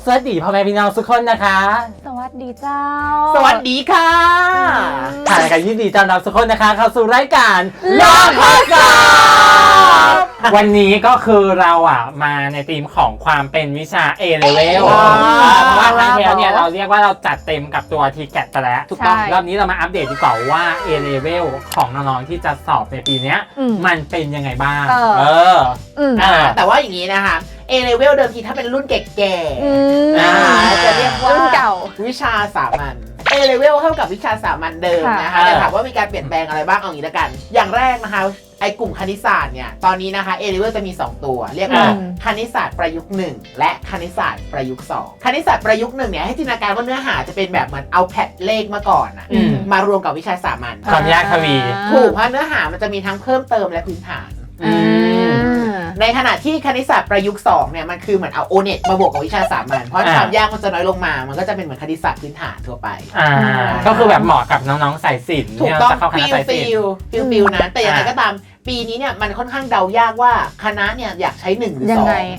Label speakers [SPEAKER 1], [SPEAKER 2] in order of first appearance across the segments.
[SPEAKER 1] สวัสดีพ่อแม่พี่น้องทุกคนนะคะ
[SPEAKER 2] สวัสดีเจ้า
[SPEAKER 1] สวัสดีค่ะถ่ายกันยินดีต้อนรับทุกคนนะคะเข้าสู่รายการลองข้อสอบวันนี้ก็คือเรามาในธีมของความเป็นวิชา A level เพราะว่าครั้งที่แล้วเนี่ยเราเรียกว่าเราจัดเต็มกับตัว TCAT ไปแล้วถูกต้องรอบนี้เรามาอัปเดตดีกว่าว่า A level ของน้องๆที่จะสอบในปีนี้มันเป็นยังไงบ้าง
[SPEAKER 3] แต่ว่าอย่างนี้นะคะA level เดิมทีถ้าเป็นรุ่นแก่ๆจะเรียกว่า
[SPEAKER 2] รุ่นเก่า
[SPEAKER 3] วิชาสามัญ A level เท่ากับวิชาสามัญเดิมนะคะแต่ถามว่ามีการเปลี่ยนแปลงอะไรบ้างเอาอย่างนี้ละกันอย่างแรกนะคะไอ้กลุ่มคณิตศาสตร์เนี่ยตอนนี้นะคะ A level จะมี2ตัวเรียกว่าคณิตศาสตร์ประยุกต์1และคณิตศาสตร์ประยุกต์2คณิตศาสตร์ประยุกต์1เนี่ยให้จินตนาการว่าเนื้อหาจะเป็นแบบเหมือนเอาแพทเลขมาก่อนมารวมกับวิชาสามัญ
[SPEAKER 1] ความยากทวี
[SPEAKER 3] ถูกเพราะเนื้อหามันจะมีทั้งเพิ่มเติมและพื้นฐานในขณะที่คณิตศาสตร์ประยุกต์2เนี่ยมันคือเหมือนเอาโอเน็ตมาบวกกับวิชาสามัญเพราะความยากมันจะน้อยลงมามันก็จะเป็นเหมือนคณิตศาสตร์พื้นฐานทั่วไป
[SPEAKER 1] ก็คือแบบเหมาะกับน้องๆสายศิลป์
[SPEAKER 3] ถูกต้องฟิลนะแต่อย่างไรก็ตามปีนี้เนี่ยมันค่อนข้างเดายากว่าคณะเนี่ยอยากใช้1หรือ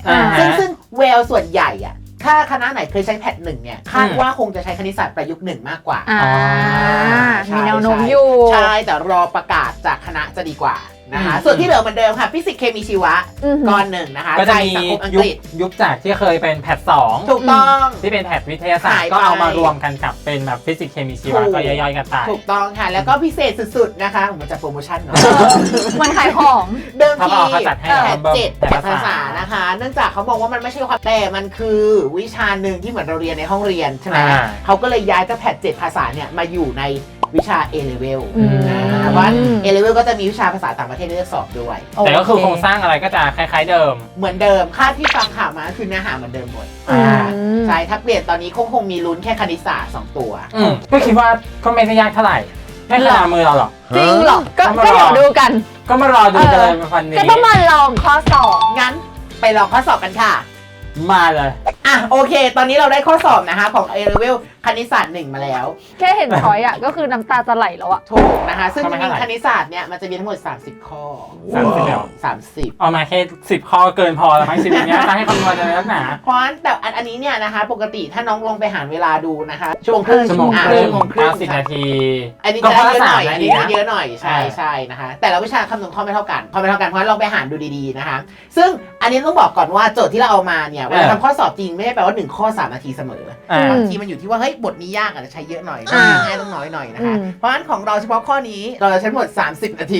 [SPEAKER 3] 2ซึ่งเวลส่วนใหญ่ถ้าคณะไหนเคยใช้แพท1เนี่ยคาดว่าคงจะใช้คณิตศาสตร์ประยุกต์1มากกว่า
[SPEAKER 2] มีแนวโน้มอยู่
[SPEAKER 3] ใช่แต่รอประกาศจากคณะจะดีกว่านะคะส่วนที่เหลือเหมือนเดิมค่ะฟิสิกส์เคมีชีวะก้อนหนึ่งนะคะ
[SPEAKER 1] ก็จะมียุคจากที่เคยเป็นแพท2
[SPEAKER 3] ถูกต้อง
[SPEAKER 1] ที่เป็นแพทวิทยาศาสตร์ก็เอามารวมกันกับเป็นแบบฟิสิกส์เคมีชีวะก็ย่อยๆกันไป
[SPEAKER 3] ถูกต้องค่ะแล้วก็พิเศษสุดๆนะคะมันจะโปรโมชั่นเนาะ
[SPEAKER 2] มันขายของ
[SPEAKER 3] เดิมทีแพท7แพทภาษานะคะเนื่องจากเขามองว่ามันไม่ใช่ความแต่มันคือวิชาหนึ่งที่เหมือนเราเรียนในห้องเรียนใช่ไหมเขาก็เลยย้ายจากแพท7ภาษาเนี่ยมาอยู่ในวิชา A level เพราะว่า A level ก็จะมีวิชาภาษาต่างประเทศให้เลือกสอบด้วย
[SPEAKER 1] แต่ก็คือโครงสร้างอะไรก็จะคล้ายๆเดิม
[SPEAKER 3] เหมือนเดิมคาดที่ฟังข่าวมาคือเนื้อหาเหมือนเดิมหมดใช่ถ้าเปลี่ยนตอนนี้คงมีลุ้นแค่คณิตศาสตร์2ตัว
[SPEAKER 1] ก็คิดว่าก็ไม่ได้ยากเท่าไหร่ไม่ขนาดมือเราหรอก
[SPEAKER 2] จริงหรอก็เดี๋ยวดูกัน
[SPEAKER 1] ก็มารอดูกันเลยวันนี้
[SPEAKER 2] ก็ต้องมาลองข้อสอบ
[SPEAKER 3] งั้นไปลองข้อสอบกันค่ะ
[SPEAKER 1] มาเลย
[SPEAKER 3] โอเคตอนนี้เราได้ข้อสอบนะคะของ A level คณิตศาสตร์1มาแล้ว
[SPEAKER 2] แค่เห็นช้อยก็คือน้ำตาจะไหลแล้ว
[SPEAKER 3] ถูกนะคะซึ่งจริงๆคณิตศาสตร์เนี่ยมันจะมีทั้งหมด30ข้อ
[SPEAKER 1] 30แล้ว
[SPEAKER 3] 30
[SPEAKER 1] เอามาแค่10ข้อเกินพอแล้วมั้ง10เนี้ยจะให้คำนวณอะไรนักหนา
[SPEAKER 3] เพราะแต่อันนี้เนี่ยนะคะปกติถ้าน้องลองไปหารเวลาดูนะคะชั่วโมงครึ่ง
[SPEAKER 1] 90 นาที
[SPEAKER 3] อันนี้จะเยอะหน่อยอันนี้เยอะหน่อยใช่นะคะแต่ละวิชาคำนวณข้อไม่เท่ากันเพราะลองไปหารดูดีๆนะคะซึ่งอันนี้ต้องบอกก่อนว่าโจทย์ที่เราเอามาเนี่ยเวลาทำข้อสอบจริงไม่ได้แปลว่า1ข้อ3นาทีเสมอบางทีมันอยู่ที่ว่าเฮ้ยบทนี้ยากอาจจะใช้เยอะหน่อยง่ายต้องน้อยหน่อยนะคะเพราะฉะนั้นของเราเฉพาะข้อนี้เราจะใช้หมด30นาที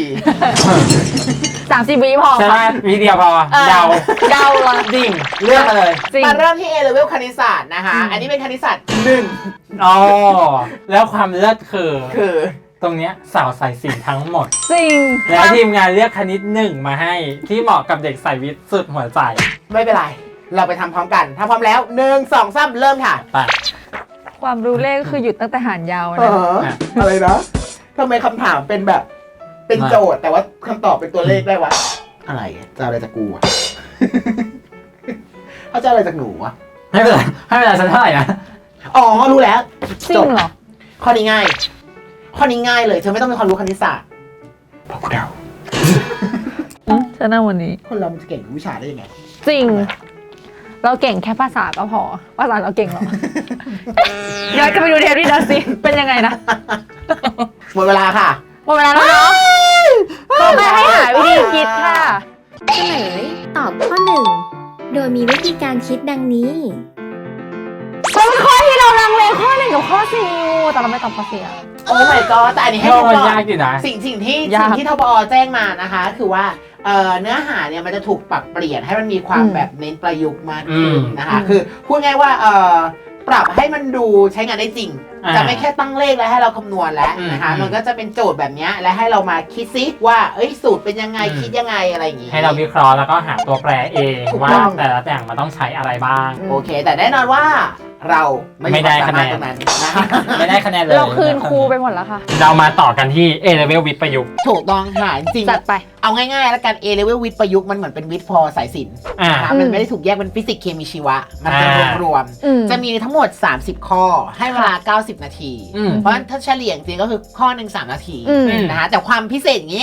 [SPEAKER 2] 30วิพอ
[SPEAKER 1] ใช่ไหมวิเดียวพอเดา
[SPEAKER 2] ละ
[SPEAKER 1] ดิ่งเลือกมาเลย
[SPEAKER 3] มาเริ่มที่ A level คณิตศาสตร์นะคะอันนี้เป็นคณิตศาสตร์1
[SPEAKER 1] แล้วความเลิศคือตรงเนี้ยสาวสายศิลป์ทั้งหมด
[SPEAKER 2] จริง
[SPEAKER 1] แล้วทีมงานเลือกคณิต1มาให้ที่เหมาะกับเด็กสายวิทย์สุดหัวใจ
[SPEAKER 3] ไม่เป็นไรเราไปทำพร้อมกันถ้าพร้อมแล้ว1 2 3เริ่มค่ะ
[SPEAKER 1] ไป
[SPEAKER 2] ความรู้เลขคือหยุดตั้งแต่หารยาว
[SPEAKER 3] นะอะไรนะทำไมคำถามเป็นแบบเป็นโจทย์แต่ว่าคำตอบเป็นตัวเลขได้วะอะไรจะอะไรจากกูวะเขาจะอะไรจากหนูวะ
[SPEAKER 1] ไม่เป็นไรฉันเท่าไหร่นะ
[SPEAKER 3] รู้แล้ว
[SPEAKER 2] จริงเหรอ
[SPEAKER 3] ข้อนี้ง่ายเลยเธอไม่ต้องมีความรู้คณิตศาสตร์พอกูเดา
[SPEAKER 2] ฉันน่าวันนี้
[SPEAKER 3] คนเรามันจะเก่งวิชาได้ยังไง
[SPEAKER 2] จริงเราเก่งแค่ภาษาก็พอภาษาเราเก่งหรอย้อนกลับไปดูเทปนี้นะสิเป็นยังไงนะ
[SPEAKER 3] หมดเวลาค่ะ
[SPEAKER 2] หมดเวลาแล้วเนาะไม่ให้หาวิธีคิดค่ะ
[SPEAKER 4] เฉลยตอบข้อ1โดยมีวิธีการคิดดังนี้
[SPEAKER 2] เป็นข้อที่เราลังเลข้อ1กับข้อ4แต่เราไม่ตอบข้อ4
[SPEAKER 3] โอ้ my god แต่อันนี้ให้
[SPEAKER 1] ดูก่อนสิ่ง
[SPEAKER 3] ที่ทบอแจ้งมานะคะคือว่าเนื้อหาเนี่ยมันจะถูกปรับเปลี่ยนให้มันมีความแบบเน้นประยุกต์มากขึ้นนะคะคือพูดง่ายว่าปรับให้มันดูใช้งานได้จริงจะไม่แค่ตั้งเลขแล้วให้เราคำนวณแล้วนะคะมันก็จะเป็นโจทย์แบบนี้และให้เรามาคิดซิว่าสูตรเป็นยังไงคิดยังไงอะไรอย่างงี้
[SPEAKER 1] ให้เราวิเคราะห์แล้วก็หาตัวแปรเองว่าแต่ละอย่างมันต้องใช้อะไรบ้าง
[SPEAKER 3] โอเคแต่แน่นอนว่าเรา
[SPEAKER 1] ไม่ได้คะแนนไม่ได้คะแนนเลย
[SPEAKER 2] เราคืนครูไปหมดแล้วค่ะ
[SPEAKER 1] เรามาต่อกันที่ A level วิทย์ประยุกต์
[SPEAKER 3] ถูกต้องค่ะจริง
[SPEAKER 2] จัดไป
[SPEAKER 3] เอาง่ายๆแล้วกัน A level วิทย์ประยุกต์มันเหมือนเป็นวิทย์พอสายศิลป์มันไม่ได้ถูกแยกเป็นฟิสิกส์เคมีชีวะมันจะรวมๆจะมีทั้งหมด30ข้อให้เวลา90นาทีเพราะฉะนั้นถ้าเฉลี่ยจริงก็คือข้อ1 3นาทีนะคะแต่ความพิเศษอย่างนี้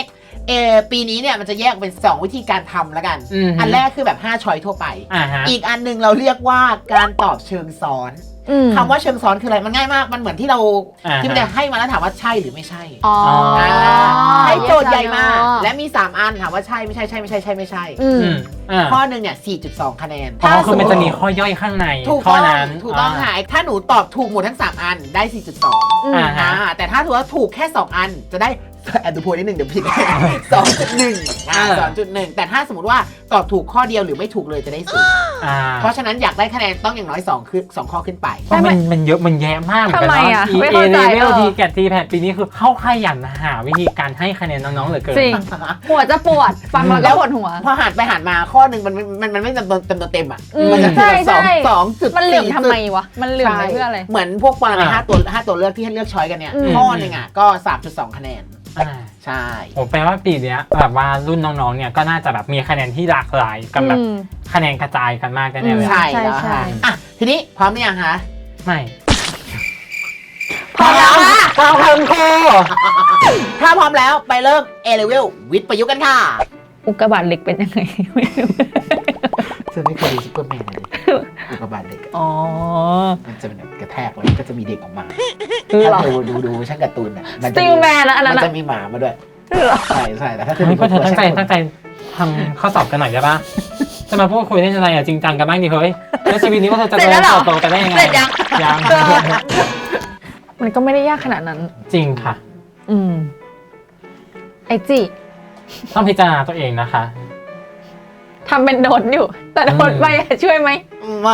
[SPEAKER 3] ปีนี้เนี่ยมันจะแยกเป็น 2 วิธีการทำแล้วกัน
[SPEAKER 1] อืม
[SPEAKER 3] อันแรกคือแบบ5ช้อยทั่วไป
[SPEAKER 1] ฮะ
[SPEAKER 3] อีกอันหนึงเราเรียกว่าการตอบเชิงซ้อน คำว่าเชิงซ้อนคืออะไรมันง่ายมากมันเหมือนที่เรา
[SPEAKER 1] อ่าฮะ
[SPEAKER 3] ที่มันจะให้มาแล้วถามว่าใช่หรือไม่ใช่
[SPEAKER 2] อ๋อ
[SPEAKER 3] ให้โจทย์ใหญ่มาและมี 3 อันถามว่าใช่ไม่ใช่ใช่ไม่ใช่ใช่ไม่ใช่
[SPEAKER 2] อืม
[SPEAKER 3] ข้อหนึ่งเนี่ย 4.2 คะแนน
[SPEAKER 1] อ๋อคือมันจะมีข้อย่อยข้างใน
[SPEAKER 3] ถูก
[SPEAKER 1] ข้อ
[SPEAKER 3] ต้อง
[SPEAKER 1] นั้น
[SPEAKER 3] ถูกต้องค่ะถ้าหนูตอบถูกหมดทั้ง 3 อันได้ 4.2
[SPEAKER 2] อืม
[SPEAKER 1] ฮะ
[SPEAKER 3] แต่ถ้าถือว่าถูกแค่ 2 อันจะได้ แอบดูโพยนิดหนึ่งเดี๋ยวผิด 2.1 2.1 แต่ถ้าสมมติว่าตอบถูกข้อเดียวหรือไม่ถูกเลยจะได้ศูนย์เพราะฉะนั้นอยากได้คะแนนต้องอย่างน้อย2คือ2ข้อขึ้นไป
[SPEAKER 1] เพราะมันเยอะมันแยะมากเหมือนกัน
[SPEAKER 2] ทำไม
[SPEAKER 1] เนาะ
[SPEAKER 2] อะ
[SPEAKER 1] ที
[SPEAKER 2] ไม่
[SPEAKER 1] เอ
[SPEAKER 2] เข้าใจ
[SPEAKER 1] เลเวลทีแกดทีแพดปีนี้คือเข้าขยันหาวิธีการให้คะแนนน้องๆเหลือเกิน
[SPEAKER 2] จริง หัวจะปวด ฟังแล้วก็ปวดหัว
[SPEAKER 3] พอหันไปหันมาข้อหนึ่งมันไม่เต็มตัวเต็มอ่ะ
[SPEAKER 2] อืม
[SPEAKER 3] มันจะ
[SPEAKER 2] ใช่
[SPEAKER 3] แบบ
[SPEAKER 2] ใช่
[SPEAKER 3] 2.4
[SPEAKER 2] มันเหลื่อมทำไมวะ มันเหลื่อมไปเพื่ออะไร
[SPEAKER 3] เหมือนพวกปรมาณ5 ตัวเลือกที่ให้เลือกช้อยกันเนี่ย
[SPEAKER 2] อืม
[SPEAKER 3] ข้อหนึ่งอ่ะก็ 3.2 คะแนน ใช่
[SPEAKER 1] ผมแปลว่าปีเนี้ยแบบว่ารุ่นน้องๆเนี่ยก็น่าจะแบบมีคะแนนที่หลากหลายกับแบบ
[SPEAKER 2] อืม
[SPEAKER 1] คะแนนกระจายกันมากแน่ๆเลย
[SPEAKER 3] ใช่
[SPEAKER 2] ใช่
[SPEAKER 3] แล้ว
[SPEAKER 2] ใช่
[SPEAKER 3] ค่ะอ่ะทีนี้พร้อมหรือยังคะ
[SPEAKER 1] ไม่
[SPEAKER 3] พร้อมแล้วค่ะ
[SPEAKER 1] พร้อมครับครู
[SPEAKER 3] ถ้าพร้อมแล้วไปเริ่ม A level วิทย์ประยุกต์กันค่ะ
[SPEAKER 2] อุกกาบาตเหล็กเป็นยังไงไม่รู้
[SPEAKER 3] เธอไม่เคยดูซุปเปอร์แมนเลยอุกกาบาตเด็กอะ
[SPEAKER 2] อ๋อ
[SPEAKER 3] มันจะเป็นแบบกระแทกแล้วก็จะมีเด็กออกมา
[SPEAKER 2] คือเหรอ
[SPEAKER 3] ถ้าเธอดูช่างการ์ตูนอ่ะมัน
[SPEAKER 2] ส
[SPEAKER 3] จะ
[SPEAKER 2] ติลแมนแล้วอันนั้น
[SPEAKER 3] มัน
[SPEAKER 2] อะ
[SPEAKER 3] จะมีหมามาด้วย
[SPEAKER 2] คือเหรอ
[SPEAKER 3] ใช่แต่ถ้าเธอ
[SPEAKER 1] เฮ้ยพวกเธอ
[SPEAKER 3] ดู
[SPEAKER 1] ตั้งใจทำข้อสอบกันหน่อยได้ปะจะมาพูดคุยเล่นอะไรอ่ะจริงจังกันบ้างดิเฮ้ยแล้วชีวิตนี้พวกเธอจะ
[SPEAKER 2] เสร็จ
[SPEAKER 1] เดิ
[SPEAKER 2] แล้วเหรอ
[SPEAKER 1] นโตกันได้ยังไง
[SPEAKER 2] เสร็จยัง
[SPEAKER 1] ยัง
[SPEAKER 2] มันก็ไม่ได้ยากขนาดนั้น
[SPEAKER 1] จริงค่ะ
[SPEAKER 2] อืม ไอจี
[SPEAKER 1] ต้องพิจารณาตัวเองนะคะ
[SPEAKER 2] ทำเป็นโดนอยู่ แต่โดนไปอะช่วยไหม
[SPEAKER 3] ไม่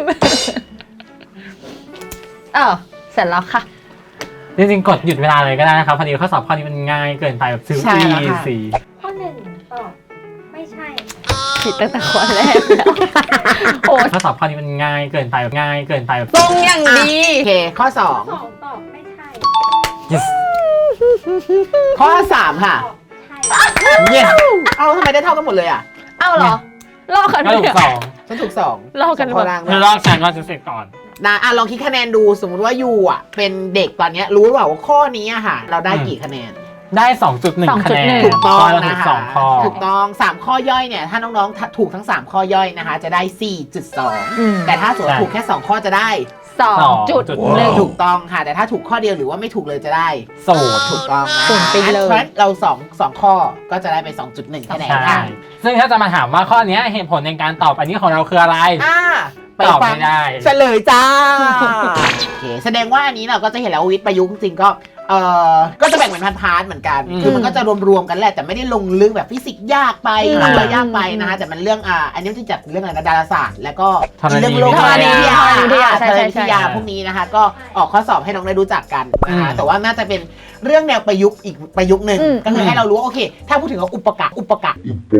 [SPEAKER 2] เสร็จแล้วค่ะ
[SPEAKER 1] จริงๆกดหยุดเวลาเลยก็ได้นะครับพอดีข้อสอบข้อนี้มันง่ายเกินไปแบบซื้อ
[SPEAKER 3] ใช่แล้วค่ะ
[SPEAKER 1] สี
[SPEAKER 4] ข้อ 1 ตอบ ไม่ใช่
[SPEAKER 2] ผิดตั้งแต่ข้อแรกแล้วโอ้ย
[SPEAKER 1] ข้อสอบข้อนี้มันง่ายเกินไปแบบง่ายเกินไปแบบ
[SPEAKER 2] ตรงอย่างดี
[SPEAKER 3] โอเคข้อ
[SPEAKER 4] ข้อ 2 ตอบ ไม่ใช่
[SPEAKER 1] yes
[SPEAKER 3] 2 ข้อ 3 ค่ะ
[SPEAKER 4] ตอบ ใช่
[SPEAKER 1] yes
[SPEAKER 3] เอาทำไมได้เท่ากันหมดเลยอ่ะ
[SPEAKER 2] เอ้าเหรอ ลอกกัน
[SPEAKER 1] ก็ถูกสอง
[SPEAKER 3] ฉันถูก2
[SPEAKER 2] ลอกกัน
[SPEAKER 3] ข้อล่าง
[SPEAKER 1] เธอลอกฉันว่าจะเสร็จก่อน
[SPEAKER 3] นะลองคิดคะแนนดูสมมติว่ายูอ่ะเป็นเด็กตอนเนี้ยรู้หรือเปล่าว่าข้อนี้อะค่ะ เราได้กี่คะแนน
[SPEAKER 1] ได้ 2.1 คะแนน
[SPEAKER 3] ถูกต้อง
[SPEAKER 1] ข้อละ
[SPEAKER 3] นะ
[SPEAKER 1] ถูก
[SPEAKER 3] คะ
[SPEAKER 1] 2ข้อ
[SPEAKER 3] ถูกต้อง 3 ข้อย่อยเนี่ย ถ้าน้องๆถูกทั้ง 3 ข้อย่อยนะคะ จะได้ 4.2 แต่ถ้าสมมติถูกแค่ 2 ข้อจะได้
[SPEAKER 2] 2.1
[SPEAKER 3] ถูกต้องค่ะ แต่ถ้าถูกข้อเดียวหรือว่าไม่ถูกเลยจะได้
[SPEAKER 1] ศูนย์
[SPEAKER 3] ถูกต้องนะ
[SPEAKER 2] ศูนย์ไปเลย
[SPEAKER 3] เพราะฉะนั้นเรา2ข้อก็จะได้ไป 2.1 คะแนน
[SPEAKER 1] ใช่
[SPEAKER 3] ค่ะ
[SPEAKER 1] ซึ่งถ้าจะมาถามว่าข้อเนี้ยเหตุผลในการตอบอันนี้ของเราคืออะไร
[SPEAKER 3] ไป
[SPEAKER 1] ตอบ
[SPEAKER 3] ฟัง
[SPEAKER 1] ไม่ได้
[SPEAKER 3] เฉลยจ้า โอเคแสดงว่าอันนี้เราก็จะเห็นแล้วว่าวิทย์ประยุกต์จริงๆก็จะแบ่งเป็นพาร์ทๆเหมือนกัน
[SPEAKER 1] อืม
[SPEAKER 3] คือมันก็จะรวมๆกันแหละแต่ไม่ได้ลงลึกแบบฟิสิกส์ยากไป
[SPEAKER 2] อืม
[SPEAKER 3] อะไรยากไปนะคะแต่มันเรื่องอันนี้มันจะจัดเรื่องอะไรนะดาราศาสตร์ แล้วก็
[SPEAKER 1] ธรณี
[SPEAKER 3] เรื่องโลก
[SPEAKER 1] วิทยา
[SPEAKER 3] ธรณีวิทยา
[SPEAKER 2] ธรณีวิทยาใช่
[SPEAKER 3] ธร
[SPEAKER 2] ใช่
[SPEAKER 3] ณีวิทยา
[SPEAKER 2] ใช่
[SPEAKER 3] พวกนี้นะคะ ก็ออกข้อสอบให้น้องได้รู้จักกันนะคะ
[SPEAKER 1] อืม
[SPEAKER 3] แต่ว่าน่าจะเป็นเรื่องแนวประยุกต์อีกประยุกต์หนึ่ง
[SPEAKER 2] อืม
[SPEAKER 3] ก็คือให้เรารู้ว่าโอเค ถ้าพูดถึงว่าอุปกรณ์
[SPEAKER 2] อุกกา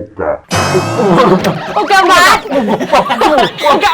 [SPEAKER 2] บาตอุกกา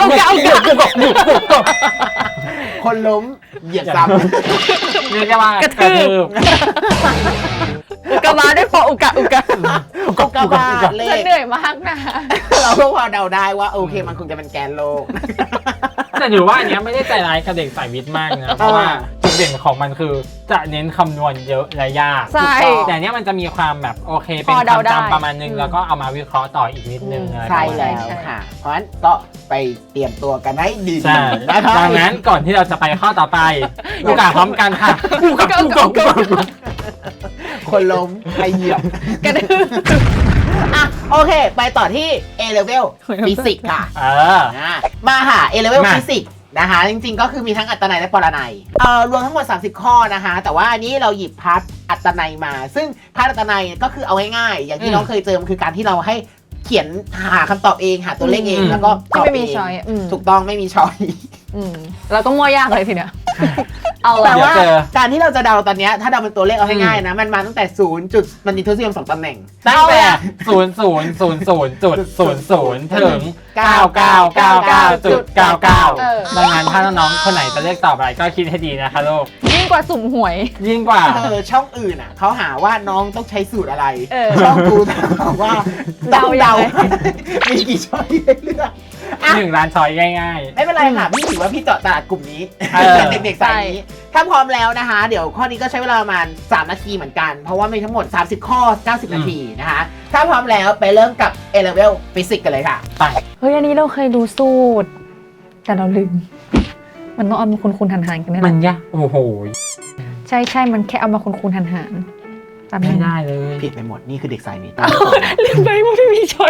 [SPEAKER 3] คนล้มเหยียบซ้ำ
[SPEAKER 1] เรียกได้ว่ากระทืบ
[SPEAKER 2] อุกกาบาตด้วยพออุกกา
[SPEAKER 3] อุกกาบาตเล
[SPEAKER 2] ฉัน
[SPEAKER 3] ข
[SPEAKER 2] เหนื่อยมากนะ
[SPEAKER 3] เราก็พอเดาได้ว่าโอเคมันคงจะเป็นแกนโลก
[SPEAKER 1] แต่ถือว่าอันเนี้ยไม่ได้ใจร้ายกับเด็กสายวิทย์มากนะ เพราะว่าจุดเด่นของมันคือจะเน้นคำนวณเยอะและยาก
[SPEAKER 2] ใช่
[SPEAKER 1] แต่อันเนี้ยมันจะมีความแบบโอเค เป็น
[SPEAKER 2] พอเดาได้
[SPEAKER 1] คำจำประมาณนึง
[SPEAKER 2] อืม
[SPEAKER 1] แล้วก็เอามาวิเคราะห์ต่ออีกนิดนึงอะไรประ
[SPEAKER 3] ใช่
[SPEAKER 1] มาณ
[SPEAKER 3] แล้
[SPEAKER 1] นั้น
[SPEAKER 3] วค่ะ เพราะฉะนั้นก็ไปเตรียมตัวกันให้ดี
[SPEAKER 1] ใช่
[SPEAKER 3] ๆนะคะ
[SPEAKER 1] ดังนั้นก่อนที่เราจะไปข้อต่อไปโอกาสพร้อมกันค่ะ
[SPEAKER 3] คนล้มใครเหยียบ
[SPEAKER 2] กระดือ
[SPEAKER 3] อ่ะโอเค ไปต่อที่ A level ฟิสิกส์ค่ะ มาค่ะ A level
[SPEAKER 1] มา
[SPEAKER 3] ฟิสิกส์นะคะ จริงๆ ก็คือมีทั้งอัตนัยและปรนัยรวมทั้งหมด 30 ข้อนะคะ แต่ว่าอันนี้เราหยิบพาร์ทอัตนัยมา ซึ่งพาร์ทอัตนัยก็คือเอาง่ายๆ อย่างที่น้องเคยเจอมันคือการที่เราให้เขียนหาคำตอบเองหาตัวเลขเองแล้วก็ตอบ
[SPEAKER 2] ไม่
[SPEAKER 3] เอ
[SPEAKER 2] มี
[SPEAKER 3] ง
[SPEAKER 2] ช้อย
[SPEAKER 3] ถูกต้องไม่มีช้อย
[SPEAKER 2] แล้วก็มั่วยากเลยทีเนี้ย เอา
[SPEAKER 3] แต่
[SPEAKER 2] ละ
[SPEAKER 3] ว่า
[SPEAKER 1] เดี๋ยวเจอ
[SPEAKER 3] การที่เราจะเดาตอนเนี้ยถ้าเดาเป็นตัวเลขเอาง่ายๆนะ มันมาตั้งแต่0จุดมันมีทศนิยม2ตำแหน่ง
[SPEAKER 1] ตั้งแต่0000.00ถึง 9999.99 ดังนั้นถ้าน้องๆคนไหนจะเลือกตอบอะไรก็คิดให้ดีนะคะลูก
[SPEAKER 2] ยิ่งกว่าสุ่มหวย
[SPEAKER 1] ยิ่งกว่า
[SPEAKER 3] ช่องอื่นอ่ะเขาหาว่าน้องต้องใช้สูตรอะไร
[SPEAKER 2] เออ
[SPEAKER 3] ช่องกูถามว่า
[SPEAKER 2] เดา
[SPEAKER 3] ต้อง
[SPEAKER 2] ยั
[SPEAKER 3] เดาง
[SPEAKER 2] ไง
[SPEAKER 3] มีกี่ช้อยให้เลือกอ่ะ
[SPEAKER 1] 1 ล้านช้อยง่าย
[SPEAKER 3] ไม่เป็นไรค่ะ พี่ถือว่าพี่เจาะตลาดกลุ่มนี้
[SPEAKER 1] เออ
[SPEAKER 3] เด็กๆสายนี้ถ้าพร้อมแล้วนะคะ เดี๋ยวข้อนี้ก็ใช้เวลาประมาณ3 นาทีเหมือนกัน เพราะว่ามีทั้งหมด30 ข้อ 90 นาทีนะคะ ถ้าพร้อมแล้วไปเริ่มกับ A Level Physics กันเลยค่ะ
[SPEAKER 1] ไป
[SPEAKER 2] เฮ้ยอันนี้เราเคยดูสูตร แต่เราลืม มันต้องเอามาคูณๆหารๆกันนี่แห
[SPEAKER 1] มั
[SPEAKER 2] ละ
[SPEAKER 1] นยากโอ้โห
[SPEAKER 2] ใช่มันแค่เอามาคูณๆหารๆแป๊บนึ
[SPEAKER 1] ไม่
[SPEAKER 2] ง
[SPEAKER 1] ได้เลย
[SPEAKER 3] ผิดไปหมด นี่คือเด็กสายนี้
[SPEAKER 2] ลืมไปว่าไม่มีช้อย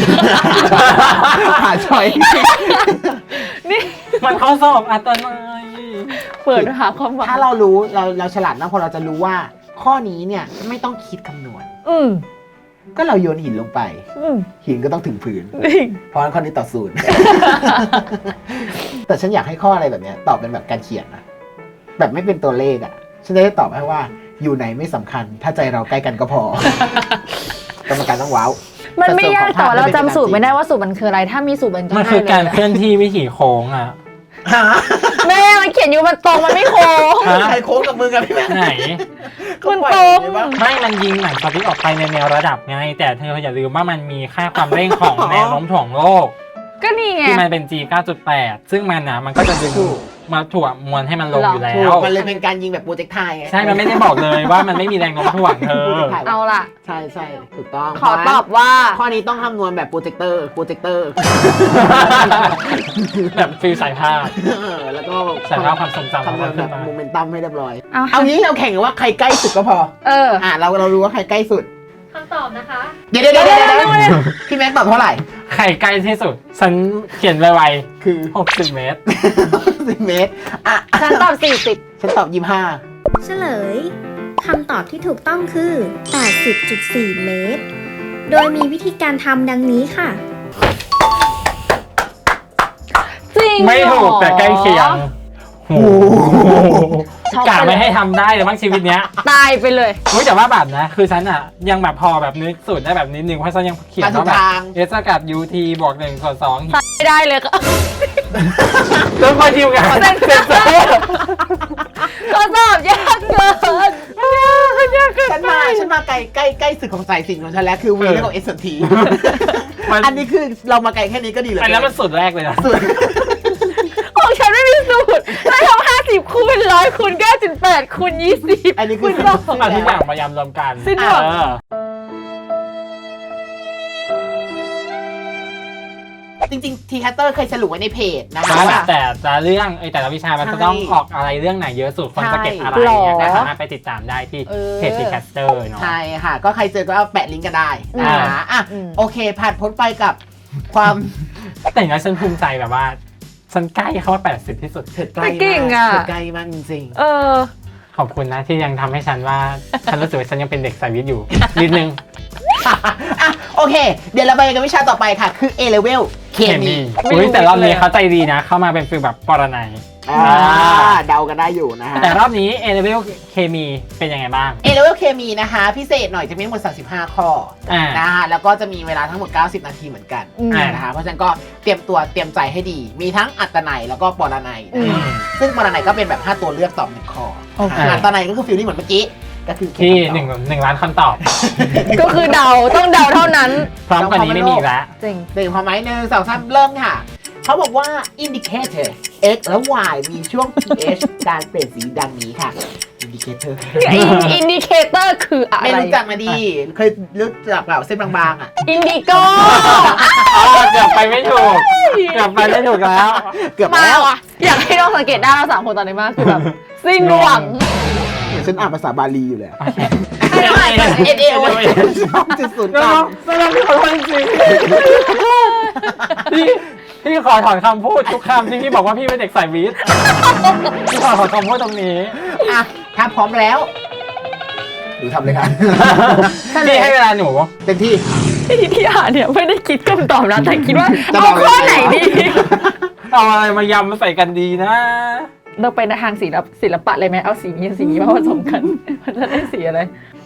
[SPEAKER 3] หาช้อย
[SPEAKER 2] นี่
[SPEAKER 1] มันข้อสอบอัตโนมัติ
[SPEAKER 2] เปิดหาความหวัง
[SPEAKER 3] ถ้าเรารู้เราฉลาดนะพอเราจะรู้ว่า ข้อนี้เนี่ยไม่ต้องคิดคำนวณ
[SPEAKER 2] อืม
[SPEAKER 3] ก็เราโยนหินลงไป
[SPEAKER 2] อืม
[SPEAKER 3] หินก็ต้องถึงพื้น
[SPEAKER 2] จริง
[SPEAKER 3] เพราะฉะนั้นข้อนี้ต่อศูนย์ แต่ฉันอยากให้ข้ออะไรแบบเนี้ยตอบเป็นแบบการเขียนนะแบบไม่เป็นตัวเลขอ่ะ ฉันจะได้ตอบให้ว่าอยู่ไหนไม่สำคัญ ถ้าใจเราใกล้กันก็พอ กรรมการต้องว้าว
[SPEAKER 2] มันไม่ยากแต่ว่าเราจำสูตรไม่ได้
[SPEAKER 3] ว่า
[SPEAKER 2] ว่าสูตรมันคืออะไร ถ้ามีสูตรมันก็
[SPEAKER 1] มัน
[SPEAKER 2] ง่าย
[SPEAKER 1] คือการ
[SPEAKER 2] เลย
[SPEAKER 1] เคลื่อนที่วิถีโค้งอ่ะ
[SPEAKER 2] แม่มันเขียนอยู่มันตรงมันไม่โค้ง
[SPEAKER 1] ฮะ
[SPEAKER 3] ใครโค้งกับมือกับพี่แม่
[SPEAKER 1] ไหน
[SPEAKER 2] มันตรง
[SPEAKER 1] ไม่มันยิงหนังสติ๊กออกไปในแนวระดับไง แต่เธออย่าลืมว่ามันมีค่าความเร่งของแนวโน้มถ่วงโลก
[SPEAKER 2] ก็นี่ไง
[SPEAKER 1] ที่มันเป็น G 9.8 ซึ่งมันนะมันก็จะดึงมาถ่วงมวลให้มันลงอยู่แล้
[SPEAKER 3] ถู
[SPEAKER 1] ว
[SPEAKER 3] กมันเลยเป็นการยิงแบบโปรเจกต์ไทยไง
[SPEAKER 1] ใช่ มันไม่ได้บอกเลยว่ามันไม่มีแรงโน้มถ่วงเธอ
[SPEAKER 2] เอาล่ะ
[SPEAKER 3] ใช่ใช่ถูกต้อง
[SPEAKER 2] ขอตอบว่า
[SPEAKER 3] ข้อนี้ต้องคำนวณแบบโปรเจคเตอร์
[SPEAKER 1] แบบฟิลสายภาพ
[SPEAKER 3] แล้วก็
[SPEAKER 1] สายภาพความทรงจำ
[SPEAKER 3] คำนวณ
[SPEAKER 1] ขึ้
[SPEAKER 3] แบ
[SPEAKER 1] น
[SPEAKER 3] บ
[SPEAKER 1] มา
[SPEAKER 3] โมเมนตัมให้เรียบร้อย
[SPEAKER 2] เอา
[SPEAKER 3] เอางี้เราแข่งกันว่าใครใกล้สุดก็พอ เรารู้ว่าใครใกล้สุด
[SPEAKER 4] คำตอบนะคะ
[SPEAKER 3] เดี๋ยวพี่แม็กตอบเท่าไหร่
[SPEAKER 1] ใครใกล้ที่สุด ฉันเขียนไว
[SPEAKER 3] คือ
[SPEAKER 1] ๆ60 เมตร
[SPEAKER 3] 10 เมตร อ่ะ
[SPEAKER 2] ฉันตอบ
[SPEAKER 3] ฉันตอบ
[SPEAKER 4] เฉลย คำตอบที่ถูกต้องคือ 80.4 เมตร โดยมีวิธีการทำดังนี้ค่ะ
[SPEAKER 2] 40 จริง
[SPEAKER 1] ไม่ถูก
[SPEAKER 2] เหรอ
[SPEAKER 1] แต่ใกล้เคียงโอ้โห
[SPEAKER 2] ช็อก
[SPEAKER 1] กะ
[SPEAKER 2] ไปเลย
[SPEAKER 1] ไม่ให้ทำได้เลยบ้างชีวิตเนี้ย
[SPEAKER 2] ตายไปเลย
[SPEAKER 1] เฮ้ยแต่ว่าแบบนะ คือฉันอ่ะ ยังแบบพอแบบนึกสูตรได้แบบนิดนึงเพราะฉันยังเขียนว่าแบบ
[SPEAKER 3] มาถูกทาง
[SPEAKER 1] เอสกัด UT บวก1ส่วน2
[SPEAKER 2] ไม่ได้เลยก็
[SPEAKER 1] แล้วพอทีมงานเซ็นเซอร์
[SPEAKER 2] ก็ตอบยากเกินยากเกิน
[SPEAKER 3] ฉันมาใกล้สุดของสายสินของฉันแล้วคือวีแล้วก็เอสที
[SPEAKER 1] มัน
[SPEAKER 3] อันนี้คือเรามาไกลแค่นี้ก็ดีเลย
[SPEAKER 1] อันนั้นมันสุดแรกเลยนะ
[SPEAKER 3] สุด
[SPEAKER 2] ของฉันไม่มีสูตรฉันทำ50 คูณ 100 คูณ 9.8 คูณ 20
[SPEAKER 3] อันนี้คือ
[SPEAKER 2] คุณบอก
[SPEAKER 1] เอาทุกอย่างมายำรวมกัน
[SPEAKER 2] สิ้นหวัง
[SPEAKER 1] เออ
[SPEAKER 3] จริงๆทีแคตเตอร์เคยสรุปไว้ในเพจนะคะ
[SPEAKER 1] ว่า
[SPEAKER 3] ว่า
[SPEAKER 1] แต่ละเรื่องแต่ละวิชามันจะต้อง
[SPEAKER 3] ใช่
[SPEAKER 1] ออกอะไรเรื่องไหนเยอะสุดคนจะเก็บอะไร
[SPEAKER 2] หรอ
[SPEAKER 1] เนี่ยก็สามารถไปติดตามได้ที่เพจทีแคสเตอร์เนาะ
[SPEAKER 3] ใช่ค่ะ ก็ใครเจอก็เอาแปะลิงก์กันได้นะคะอ่ะ
[SPEAKER 2] อืม
[SPEAKER 3] โอเค ผ่านพ้นไปกับความ
[SPEAKER 1] แต่อย่างนั้นฉันภูมิใจแบบว่า ฉันใกล้เข้าว่า80 ที่สุด
[SPEAKER 3] เถิดใกล้
[SPEAKER 2] แต่เก่ง
[SPEAKER 3] มาก
[SPEAKER 2] อะ
[SPEAKER 3] เถิดใกล้มากจริง
[SPEAKER 2] เออ
[SPEAKER 1] ขอบคุณนะที่ยังทำให้ฉันว่า ฉันรู้สึกว่าฉันยังเป็นเด็กสายวิทย์อยู่ นิดนึง
[SPEAKER 3] ๆอ่ะโอเค เดี๋ยวเราไปกันวิชาต่อไปค่ะ คือ A level เคมี
[SPEAKER 1] อุ้ยแต่รอบนี้เขาใจดีนะ เข้ามาเป็นฟีลแบบปรนัย
[SPEAKER 3] เดากันได้อยู่นะฮะ
[SPEAKER 1] แต่รอบนี้ A level เคมีเป็นยังไงบ้าง
[SPEAKER 3] A level เคมีนะคะ พิเศษหน่อยจะมีทั้งหมด35 ข้อ
[SPEAKER 1] อ่า
[SPEAKER 3] นะคะแล้วก็จะมีเวลาทั้งหมด90 นาทีเหมือนกัน
[SPEAKER 2] อืม
[SPEAKER 3] นะคะเพราะฉะนั้นก็เตรียมใจให้ดี มีทั้งอัตนัยแล้วก็ปรนัย
[SPEAKER 2] อื
[SPEAKER 3] นะ
[SPEAKER 2] ม
[SPEAKER 3] คะซึ่งปรนัยก็เป็นแบบ5ตัวเลือกตอบ1ข้อ
[SPEAKER 2] โอเค
[SPEAKER 3] อัตนัยก็คือฟิลลิ่งเหมือนเมื่อกี้ก็คือ
[SPEAKER 1] ที่1 ล้านคำตอบ
[SPEAKER 2] ก็คือเดาต้องเดาเท่านั้น
[SPEAKER 1] พร้อมกว่านี้ไม่มีอีกแล้ว
[SPEAKER 2] จริง
[SPEAKER 3] หนึ่งพอไหม1 2 3เริ่มค่ะ เขาบอกว่า indicator x และ y มีช่วง pH การเปลี่ยนสีดังนี้ค่ะ indicator
[SPEAKER 2] อินดิเคเตอร์คืออะไร
[SPEAKER 3] ไม่รู้จักมาดี เคยรู้จักเปล่าเส้นบางๆอ่ะ
[SPEAKER 2] อินดิโก
[SPEAKER 1] เกือบไปไม่ถูก เกือบไปไม่ถูกแล้ว
[SPEAKER 3] เกือบ
[SPEAKER 2] มา
[SPEAKER 3] แล้ว
[SPEAKER 2] ว่ะ อยากให้น้องสังเกตได้เรา3 คนตอนนี้มากคือแบบสิ้นหวัง
[SPEAKER 3] เดี๋ยวฉันอ่านภาษาบาลีอยู่เลย
[SPEAKER 2] ไม่ได้
[SPEAKER 3] เอ็นเอโอจุดศูนย์ก
[SPEAKER 1] น้
[SPEAKER 3] ลา
[SPEAKER 1] อง งน้องพี่ขอโทษจริงพี่ขอถอนคำพูดทุกคำที่พี่บอกว่าพี่เป็นเด็กสายวิทย์พี่ขอถอนคำพูดตรงนี้
[SPEAKER 3] อ่ะถ้าพร้อมแล้วหนูทำเลยครับ
[SPEAKER 1] พี่ให้เวลาหนู
[SPEAKER 3] เต็มที่
[SPEAKER 2] ที่อ่านเนี่ยไม่ได้คิดคำตอบนะแต่คิดว่า
[SPEAKER 3] จะบ
[SPEAKER 2] เอา
[SPEAKER 3] อก
[SPEAKER 2] ข้อ
[SPEAKER 3] ยังไง
[SPEAKER 2] ไหนดี
[SPEAKER 1] เอาอะไรมายำมาใส่กันดีนะ
[SPEAKER 2] เราไปในทางศิลปะเลยไหมเอาสีนี้มาผสมกัน มันจะได้สีอะไร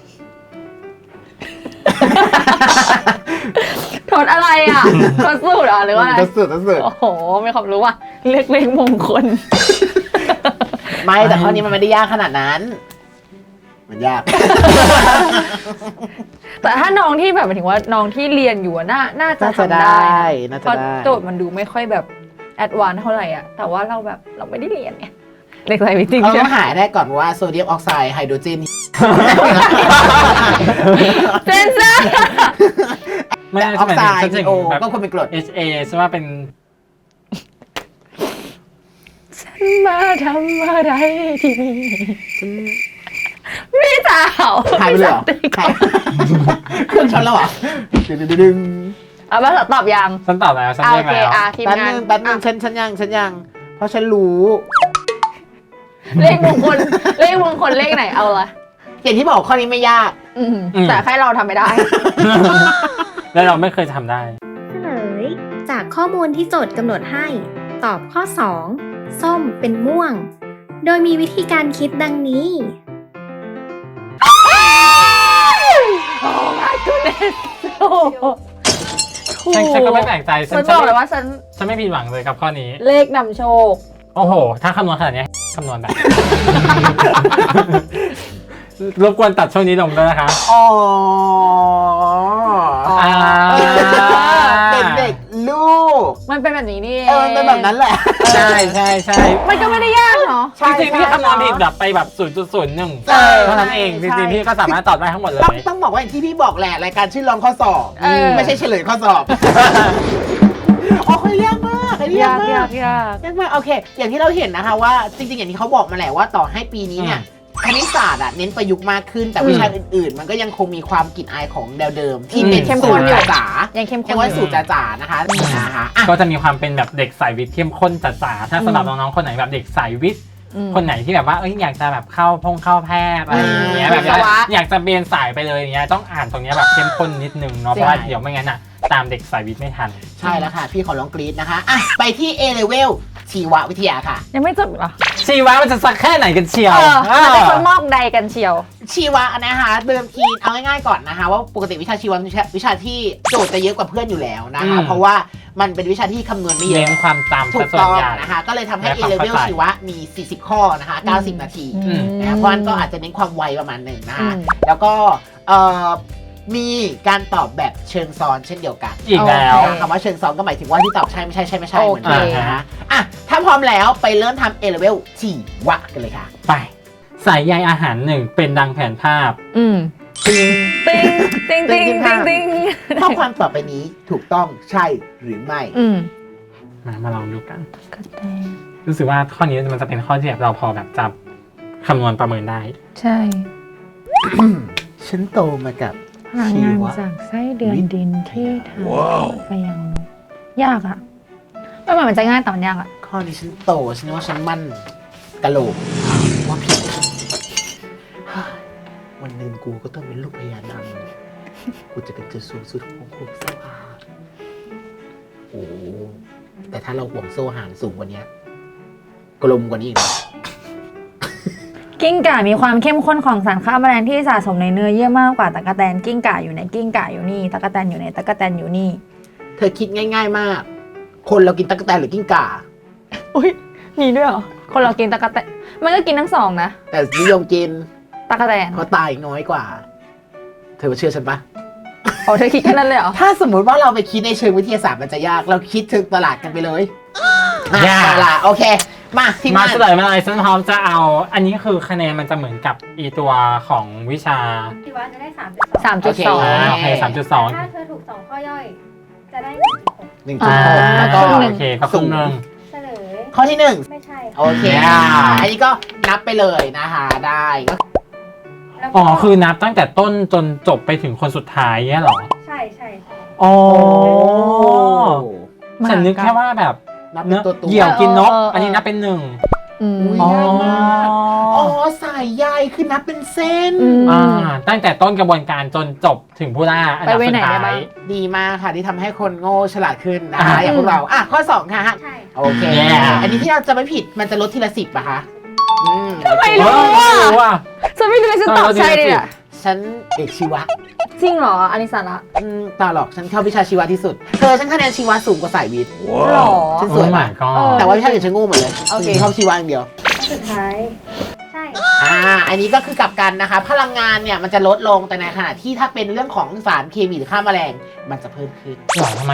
[SPEAKER 2] ถอดอะไรอ่ะถอดสูตรอ่ะหรือว่าอะไร
[SPEAKER 3] ทดสอบ
[SPEAKER 2] โอ้โหมีความรู้ว่าเล็กเลขมงคล
[SPEAKER 3] ไม่แต่ข้อนี้มันไม่ได้ยากขนาดนั้น มันยาก
[SPEAKER 2] แต่ถ้าน้องที่แบบหมายถึงว่าน้องที่เรียนอยู่อะน่าจะทำได้
[SPEAKER 3] น่าจะ
[SPEAKER 2] เพราะ
[SPEAKER 3] ได้
[SPEAKER 2] โจทย์มันดูไม่ค่อยแบบแอดวานซ์เท่าไหร่อ่ะแต่ว่าเราแบบเราไม่ได้เรียนไงเด็กใส่วิจริง
[SPEAKER 3] เรา
[SPEAKER 2] ใช่
[SPEAKER 3] ต้
[SPEAKER 2] ไห
[SPEAKER 3] อ
[SPEAKER 2] ม
[SPEAKER 3] งหาได้ก่อนว่าโซเดียมออกไซด์ไฮโดรเจน
[SPEAKER 2] เซนเซอร์
[SPEAKER 1] ไม่
[SPEAKER 3] แต่
[SPEAKER 1] ได้
[SPEAKER 3] ออกไซด์
[SPEAKER 1] ฉันจะ
[SPEAKER 3] โอ
[SPEAKER 1] แบบ
[SPEAKER 3] ก็ควรเป็นกรด
[SPEAKER 1] HA ใช่ว่าเป็น
[SPEAKER 2] มาทำอะไรที่นี่พี่สาว
[SPEAKER 3] หายไปเลยเหรอหายเครื่องช็อตแล้วเหรอดึง
[SPEAKER 2] เอามาตอบยัง
[SPEAKER 1] ฉันตอบแล้วฉัน
[SPEAKER 2] โอ
[SPEAKER 1] เรียก
[SPEAKER 2] เค
[SPEAKER 1] แล้ว
[SPEAKER 2] ทีม
[SPEAKER 3] แป๊บ
[SPEAKER 2] งา
[SPEAKER 3] นึ
[SPEAKER 2] น
[SPEAKER 3] งแป๊บนึงฉันยัง เพราะฉันรู้
[SPEAKER 2] เลขมงคลเลขไหนเอาละ
[SPEAKER 3] อย่างที่บอกข้อนี้ไม่ยาก
[SPEAKER 2] แต่แค่เราทำไม่ได้
[SPEAKER 1] แล้วเราไม่เคยทำได้
[SPEAKER 4] เฉลย จากข้อมูลที่โจทย์กำหนดให้ ตอบข้อ 2 ส้มเป็นม่วง โดยมีวิธีการคิดดังนี้
[SPEAKER 2] โอ้ my goodness โอ้โห
[SPEAKER 1] ฉันก็ไม่แปลกใจ
[SPEAKER 2] ฉันบอกเลยว่าฉัน
[SPEAKER 1] ฉันไม่ผิดหวังเลยกับข้อนี้
[SPEAKER 2] เลขนำโชค
[SPEAKER 1] โอ้โห ถ้าคำนวณขนาดนี้คำนวณแบบ รบกวนตัดช่วงนี้ลงด้วยนะคะ
[SPEAKER 3] อ๋อ
[SPEAKER 1] อ่า
[SPEAKER 3] เป็นเด็กลูก
[SPEAKER 2] มันเป็นแบบนี้นี่
[SPEAKER 3] มันเป็นแบบนั้นแหละ
[SPEAKER 1] ใช่ใช่ใช่
[SPEAKER 2] มันก็ไม่ได้ยากเนาะ
[SPEAKER 1] จริงๆพี่คำนวณผิดแบบไปแบบ 0.01
[SPEAKER 3] ใช่
[SPEAKER 1] เท่านั้นเอง จ
[SPEAKER 3] ใช่
[SPEAKER 1] ริงๆพี่ก็สามารถตอบได้ทั้งหมดเลย
[SPEAKER 3] ต้องบอกว่าอย่างที่พี่บอกแหละรายการชื่อลองข้อสอบ ไม่ใช่เฉลยข้อสอบอ๋อคนยากมากอันนี้ยากมาก
[SPEAKER 2] ยาก
[SPEAKER 3] ยากมากโอเค อย่างที่เราเห็นนะคะว่าจริงๆอย่างที่เขาบอกมาแหละว่าต่อให้ปีนี้เนี่ยคณิตศาสตร์เน้นประยุกต์มากขึ้นแต่วิชาอื่นๆ มันก็ยังคงมีความกลิ่นอายของแนวเดิม ที่เป็น
[SPEAKER 2] เข้ม
[SPEAKER 3] สู
[SPEAKER 2] ข้
[SPEAKER 3] ต
[SPEAKER 2] น
[SPEAKER 3] ร
[SPEAKER 2] อยู่
[SPEAKER 3] จ๋า
[SPEAKER 2] ยังเข้ม
[SPEAKER 3] ๆ
[SPEAKER 2] ข้
[SPEAKER 3] ยัง
[SPEAKER 2] น
[SPEAKER 3] ว่า
[SPEAKER 2] อยู่
[SPEAKER 3] สูตรจ๋าๆนะคะอ่ะ
[SPEAKER 1] ก็จะมีความเป็นแบบเด็กสายวิทย์เข้มข้นจ๋าๆถ้าสำหรับน้องๆคนไหนแบบเด็กสายวิทย์ คนไหนที่แบบว่าอยากจะแบบเข้าแพทย์อะไรอย่างเงี้ยแบบอยากจะเบนสายไปเลยอย่างเงี้ยต้องอ่านตรงเนี้ยแบบเข้มข้นนิดนึงเนาะเพราะว่าเดี๋ยวไม่งั้นตามเด็กสายวิทย์ไม่ทัน
[SPEAKER 3] ใช่แล้วค่ะ พี่ขอลองกรี๊ดนะคะอ่ะไปที่ A level ชีววิทยาค่ะ
[SPEAKER 2] ยังไม่จบเหรอ
[SPEAKER 1] ชีวะมันจะสักแค่ไหนกันเชียว
[SPEAKER 2] มันเป็นคนมอกใดกันเชียว
[SPEAKER 3] ชีวะนะคะเดิมทีเอาง่ายๆก่อนนะคะว่าปกติวิชาชีวะเป็นวิชาที่โจทย์จะเยอะกว่าเพื่อนอยู่แล้วนะคะเพราะว่ามันเป็นวิชาที่คำนวณไม่เย
[SPEAKER 1] เน้น
[SPEAKER 3] อะ
[SPEAKER 1] ความจำ
[SPEAKER 3] ถู
[SPEAKER 1] ซะ
[SPEAKER 3] ก
[SPEAKER 1] ส่ว
[SPEAKER 3] ต้
[SPEAKER 1] น
[SPEAKER 3] อง
[SPEAKER 1] ใหญ่
[SPEAKER 3] นะคะก็เลยทำให้
[SPEAKER 1] และ
[SPEAKER 3] A
[SPEAKER 1] ความ
[SPEAKER 3] level
[SPEAKER 1] เข้าใจ
[SPEAKER 3] ชีวะมี 40 ข้อนะคะ90 นาที
[SPEAKER 1] อืม
[SPEAKER 3] เพราะฉะนั้นก็อาจจะเน้นความไวประมาณหนึ่งนะคะ
[SPEAKER 2] อืม
[SPEAKER 3] แล้วก็มีการตอบแบบเชิงซ้อนเช่นเดียวกัน
[SPEAKER 1] อีกแล้ว
[SPEAKER 3] คำว่าเชิงซ้อนก็หมายถึงว่าที่ตอบใช่ไม่ใช่เหมือนกัน
[SPEAKER 1] โอเค
[SPEAKER 3] นะคะอ่ะถ้าพร้อมแล้วไปเริ่มทำ A level ชีวะกันเลยค่ะ
[SPEAKER 1] ไปสายใยอาหารหนึ่งเป็นดังแผนภาพ
[SPEAKER 2] ติงติงติงติงติง
[SPEAKER 3] ข้อความต่อไปนี้ถูกต้องใช่หรือไม่
[SPEAKER 1] มาลองดูกัน รู้สึกว่าข้อนี้มันจะเป็นข้อที่แบบเราพอแบบจับคำนวณประเมินได้
[SPEAKER 2] ใช่
[SPEAKER 3] ฉันโตมากับ
[SPEAKER 2] พลังงานจากไส้เดือนดินที่ทำไปยังยากอะไม่เหมือนมันจะง่ายแต่มันยากอะ
[SPEAKER 3] ข้อนี้ฉันโตฉันว่าฉันมั่นกะโหลกว่าผิดวันหนึ่งกูก็ต้องเป็นลูกพญานาคกูจะเป็นจุดสูงสุดของโลกโซ่หางโอ้แต่ถ้าเราห่วงโซ่หางสูงกว่านี้กลมกว่านี้อีกนะ
[SPEAKER 2] กิ้งก่ามีความเข้มข้นของสารฆ่าแมลงที่สะสมในเนื้อเยื่อมากกว่าตะกแตนกิ้งก่าอยู่ในกิ้งก่าอยู่นี่ตะกแตนอยู่ในตะกแตนอยู่นี่
[SPEAKER 3] เธอคิดง่ายๆมาก คนเรากินตั๊กแตนหรือกิ้งก่า
[SPEAKER 2] อุ้ยมีด้วยเหรอคนเรากินตะกแตนมันก็กินทั้งสองนะ
[SPEAKER 3] แต่นิยมกิน
[SPEAKER 2] ตะกแตน
[SPEAKER 3] เพราะตายน้อยกว่า เธอเชื่อฉันปะ
[SPEAKER 2] โอ้เธอคิดแค่นั้นเลยเหรอ
[SPEAKER 3] ถ้าสมมุติว่าเราไปคิดในเชิงวิทยาศาสตร์มันจะยาก เราคิดเชิงตลาดกันไปเลย
[SPEAKER 1] ยาก
[SPEAKER 3] เอาล่ะโอเค มาทีม
[SPEAKER 1] มาง
[SPEAKER 3] าน
[SPEAKER 1] เฉลยมาเลยฉันพร้อมจะเอา อันนี้คือคะแนนมันจะเหมือนกับอีตัวของวิชา
[SPEAKER 4] ชีวะจะได้
[SPEAKER 2] 3.2
[SPEAKER 1] โอเค
[SPEAKER 4] ถ้า
[SPEAKER 1] 3.2
[SPEAKER 4] เธอถูก 2 ข้อย่อย จะได้
[SPEAKER 3] 1.6แล้วก็
[SPEAKER 2] ครึ่งหนึ่ง
[SPEAKER 1] โอเคก็ครึ่งหนึ่ง
[SPEAKER 4] เฉลย
[SPEAKER 3] ข้อที่หนึ่ง
[SPEAKER 4] ไม่ใช่
[SPEAKER 3] โอเค อันนี้ก็นับไปเลยนะคะได้ก็
[SPEAKER 4] แล้วก็
[SPEAKER 1] อ๋อ คือนับตั้งแต่ต้นจนจบไปถึงคนสุดท้ายเนี้ยเหรอ
[SPEAKER 4] ใช่ใช่
[SPEAKER 1] อ๋อ
[SPEAKER 2] มาก
[SPEAKER 1] ฉันนึกแค่ว่าแบบ
[SPEAKER 3] นับเป็
[SPEAKER 1] เนื้
[SPEAKER 3] น
[SPEAKER 1] อ
[SPEAKER 3] ตัวตัว
[SPEAKER 1] เหยี่ยวกินนก
[SPEAKER 2] เออ
[SPEAKER 1] อันนี้นับเป็นหนึ่ง
[SPEAKER 2] อืม
[SPEAKER 3] อุ๊ย
[SPEAKER 1] อ๋อ
[SPEAKER 3] ง่ายมาก อ๋อสายใยคือนับเป็นเส้น
[SPEAKER 1] อ่าตั้งแต่ต้นกระบวนการจนจบถึงผู้ล่าอันดับ
[SPEAKER 2] ไปไว้
[SPEAKER 1] สุ
[SPEAKER 2] ไหน
[SPEAKER 1] ดท้า
[SPEAKER 2] ได้บ้าง
[SPEAKER 1] ย
[SPEAKER 3] ดีมากค่ะที่ทำให้คนโง่ฉลาดขึ้นนะคะ
[SPEAKER 1] อ่า
[SPEAKER 3] อย่างพวกเราอ่ะข้อ 2 ค่ะ
[SPEAKER 4] ใช่
[SPEAKER 3] โอเค
[SPEAKER 1] Yeah
[SPEAKER 3] อันนี้ที่เราจะไม่ผิดมันจะลดทีละ10อะคะอืม
[SPEAKER 2] ไม่รู้
[SPEAKER 1] รู้อ่ะ
[SPEAKER 2] ฉันไม่รู้เลยฉันตอบใช่เลยอะ
[SPEAKER 3] ฉันเอกชีวะ
[SPEAKER 2] จริงเหรออันนี้สาระ
[SPEAKER 3] ต่อหรอกฉันเข้าวิชาชีวะที่สุดเธอฉันคะแนนชีวะสูงกว่าสายวิทย์
[SPEAKER 2] หรอ
[SPEAKER 3] ฉันสวยมาก
[SPEAKER 1] ก็
[SPEAKER 2] เออ
[SPEAKER 3] แต่ว่าวิชาอื่นฉันโง่หมดเลย
[SPEAKER 2] โอเค
[SPEAKER 3] ฉันเข้าชีวะอย่างเดียว
[SPEAKER 4] สุดท้าย ใช่
[SPEAKER 3] อันนี้ก็คือกลับกันนะคะ พลังงานเนี่ยมันจะลดลงแต่ในขณะที่ถ้าเป็นเรื่องของสารเคมีหรือฆ่าแมลงมันจะเพิ่มขึ้น
[SPEAKER 1] หรอทำไมอ่ะ